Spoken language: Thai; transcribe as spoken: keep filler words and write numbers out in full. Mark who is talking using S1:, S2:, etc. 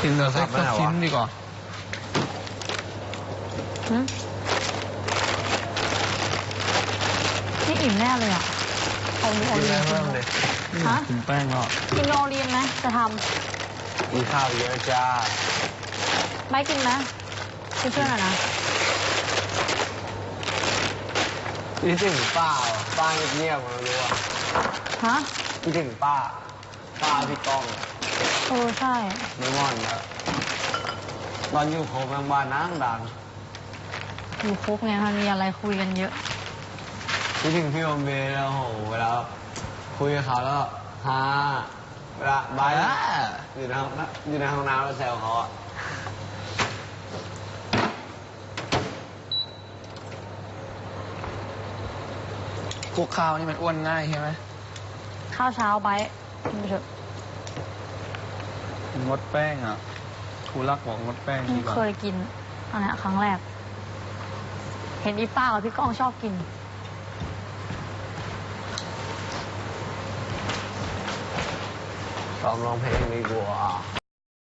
S1: กินเนื้อสักสักชิ้นดีกว่า
S2: นี่อิ่มแน่เลยอ่ะเอาโอเลียนกินเลยฮะ
S1: กินแป้งก็
S2: กินโอเลียนไหมจะท
S3: ำมีข้าวเยอะจ้า
S2: ไม่กินไหมกินเพื่อนหน่อยนะ
S3: คิดถึงป้าป้าเงียบๆมารู้อ่ะ
S2: ฮะ
S3: คิดถึงป้าป้าพี่ก้อง
S2: เออใช่
S3: ไม่งอนแล้วตอนอยู่โคกบ้านนั่งดัง
S2: อยู่คุกเนี่ยมันมีอะไรคุยกันเยอะ
S3: คิดถึงพี่อมเบย์แล้วโหเวลาคุยกับเขาแล้วฮาเวลาบายอยู่ในห้องอยู่ในห้องน้ำแล้วแซวเขาอ่ะ
S1: พวกข้าวนี่มันอ้วนง่ายใช่ไหม
S2: ข้าวเช้าไปกินไปเถอะ
S1: งดแป้งอ่ะครูรักบอกงดแป้งดีกว่า
S2: เคยกินอันนี้ครั้งแรกเห็นอีป้ากับพี่ก้องชอบกิน
S3: ซ้อมร้องเพลงดีกว่า